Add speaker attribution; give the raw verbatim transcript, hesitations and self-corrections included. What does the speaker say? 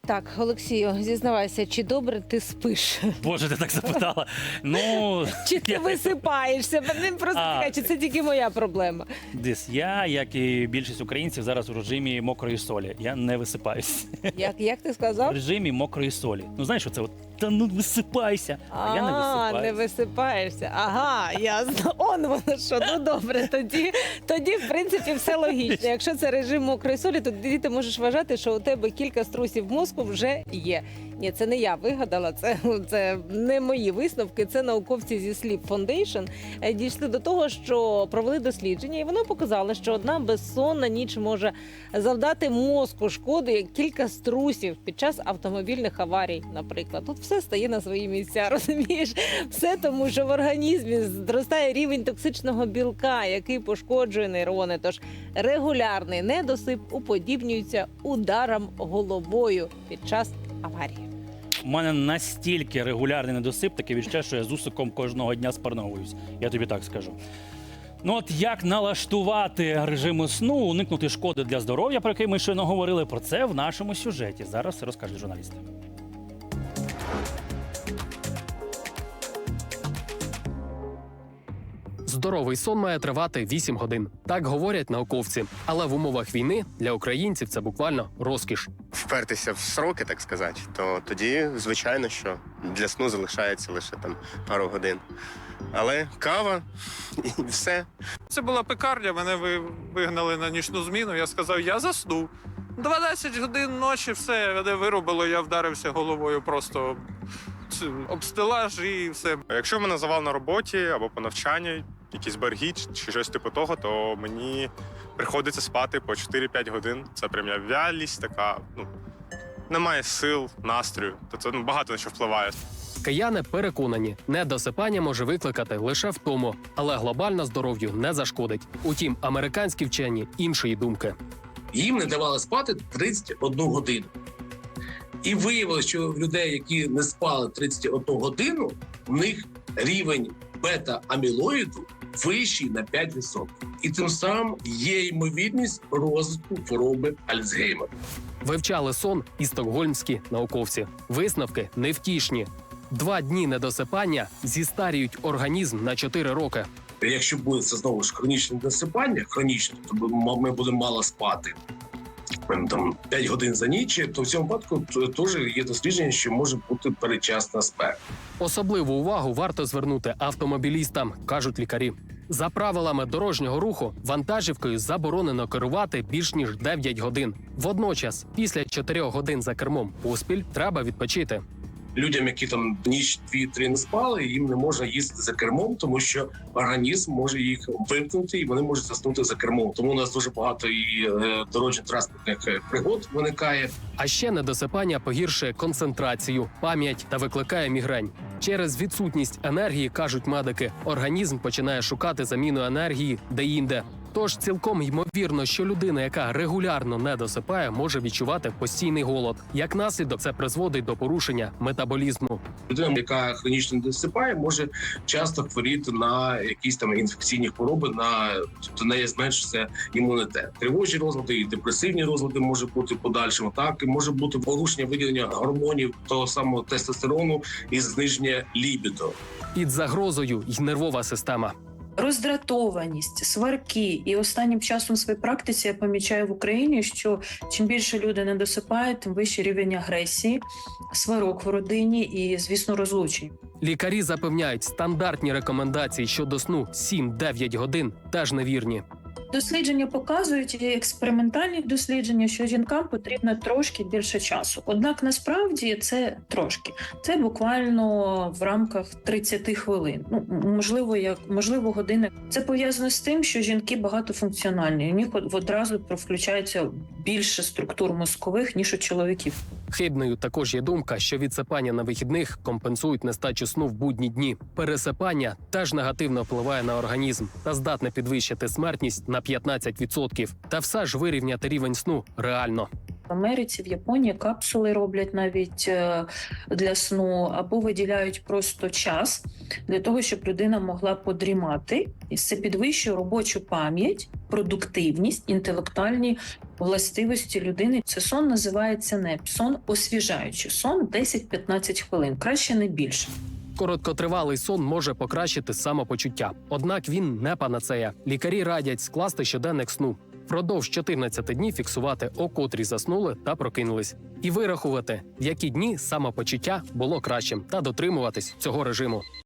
Speaker 1: Так, Олексію, зізнавайся, чи добре ти спиш?
Speaker 2: Боже, ти так запитала. Ну,
Speaker 1: Чи ти
Speaker 2: я-
Speaker 1: висипаєшся? Мене просто
Speaker 2: А.
Speaker 1: така, чи це тільки моя проблема?
Speaker 2: Десь я, як і більшість українців, зараз у режимі мокрої солі. Я не висипаюсь.
Speaker 1: Як, як ти
Speaker 2: В
Speaker 1: сказав?
Speaker 2: режимі мокрої солі. Ну, знаєш, оце от, та ну висипайся. А, я не
Speaker 1: А, не
Speaker 2: висипаюсь.
Speaker 1: висипаєшся. Ага, ясно. Он воно що. Ну добре, тоді, тоді, в принципі, все логічно. Якщо це режим мокрої солі, то тоді ти можеш вважати, що у тебе кілька струсів мозку вже є. Ні, це не я вигадала, це, це не мої висновки, це науковці зі Sleep Foundation е, дійшли до того, що провели дослідження, і воно показало, що одна безсонна ніч може завдати мозку шкоди, як кілька струсів під час автомобільних аварій, наприклад. Тут все стає на свої місця, розумієш? Все тому, що в організмі зростає рівень токсичного білка, який пошкоджує нейрони. Тож регулярний недосип уподібнюється ударам головою під час аварії.
Speaker 2: У мене настільки регулярний недосип, таке відчуття, що я з усиком кожного дня спарновуюсь. Я тобі так скажу. Ну от як налаштувати режим сну, уникнути шкоди для здоров'я, про який ми щойно говорили, про це в нашому сюжеті. Зараз все розкажуть журналісти.
Speaker 3: Здоровий сон має тривати вісім годин. Так говорять науковці. Але в умовах війни для українців це буквально розкіш.
Speaker 4: Впертися в сроки, так сказати, то тоді, звичайно, що для сну залишається лише там пару годин. Але кава і все.
Speaker 5: Це була пекарня, мене ви- вигнали на нічну зміну. Я сказав, я засну. дванадцять годин ночі, все, мене вирубило, я вдарився головою просто ц- об стелаж і все.
Speaker 6: А якщо в мене завал на роботі або по навчанню, якісь борги чи- чи щось типу того, то мені приходиться спати по чотири-п'ять годин. Це прям я вялість така, ну, немає сил, настрою. То це ну, багато на що впливає.
Speaker 3: Кияни переконані, недосипання може викликати лише втому, але глобально здоров'ю не зашкодить. Утім, американські вчені іншої думки.
Speaker 7: Їм не давали спати тридцять одну годину. І виявилося, що в людей, які не спали тридцять одну годину, в них рівень бета-амілоїду вищий на п'ять відсотків. І тим самим є ймовірність розвитку хвороби Альцгеймера.
Speaker 3: Вивчали сон і стокгольмські науковці. Висновки невтішні. Два дні недосипання зістарюють організм на чотири роки.
Speaker 7: Якщо буде це знову ж хронічне досипання, хронічне, то ми- ми будемо мало спати. Ем, Там п'ять годин за ніч, то в цьому випадку т- теж є дослідження, що може бути передчасна смерть.
Speaker 3: Особливу увагу варто звернути автомобілістам, кажуть лікарі. За правилами дорожнього руху вантажівкою заборонено керувати більш ніж дев'ять годин. Водночас, після чотирьох годин за кермом поспіль треба відпочити.
Speaker 7: Людям, які там ніч дві-три не спали, їм не можна їздити за кермом, тому що організм може їх вимкнути і вони можуть заснути за кермом. Тому у нас дуже багато і е, дорожньо-транспортних е, пригод виникає.
Speaker 3: А ще недосипання погіршує концентрацію, пам'ять та викликає мігрень. Через відсутність енергії, кажуть медики, організм починає шукати заміну енергії де-інде. Тож цілком ймовірно, що людина, яка регулярно не досипає, може відчувати постійний голод. Як наслідок, це призводить до порушення метаболізму.
Speaker 7: Людина, яка хронічно не досипає, може часто хворіти на якісь там інфекційні хвороби, на тобто в неї зменшиться імунітет. Тривожні розлади і депресивні розлади може бути подальшим. Так і може бути порушення виділення гормонів того самого тестостерону і зниження лібідо.
Speaker 3: Під загрозою й нервова система.
Speaker 8: Роздратованість, сварки. І останнім часом в своїй практиці я помічаю в Україні, що чим більше люди не досипають, тим вищий рівень агресії, сварок в родині і, звісно, розлучень.
Speaker 3: Лікарі запевняють, стандартні рекомендації щодо сну сім-дев'ять годин теж невірні.
Speaker 8: Дослідження показують, і експериментальні дослідження, що жінкам потрібно трошки більше часу. Однак насправді це трошки. Це буквально в рамках тридцять хвилин. Ну, можливо, як можливо, години. Це пов'язано з тим, що жінки багатофункціональні. У них од- одразу включається більше структур мозкових, ніж у чоловіків.
Speaker 3: Хибною також є думка, що відсипання на вихідних компенсують нестачу сну в будні дні. Пересипання теж негативно впливає на організм та здатне підвищити смертність на п'ятнадцять відсотків. Та все ж вирівняти рівень сну реально.
Speaker 8: В Америці, в Японії капсули роблять навіть е, для сну, або виділяють просто час для того, щоб людина могла подрімати. І це підвищує робочу пам'ять, продуктивність, інтелектуальні властивості людини. Це сон називається НЕП, сон освіжаючий, сон десять-п'ятнадцять хвилин, краще не більше.
Speaker 3: Короткотривалий сон може покращити самопочуття. Однак він не панацея. Лікарі радять скласти щоденник сну. Впродовж чотирнадцяти днів фіксувати, о котрій заснули та прокинулись. І вирахувати, в які дні самопочуття було кращим, та дотримуватись цього режиму.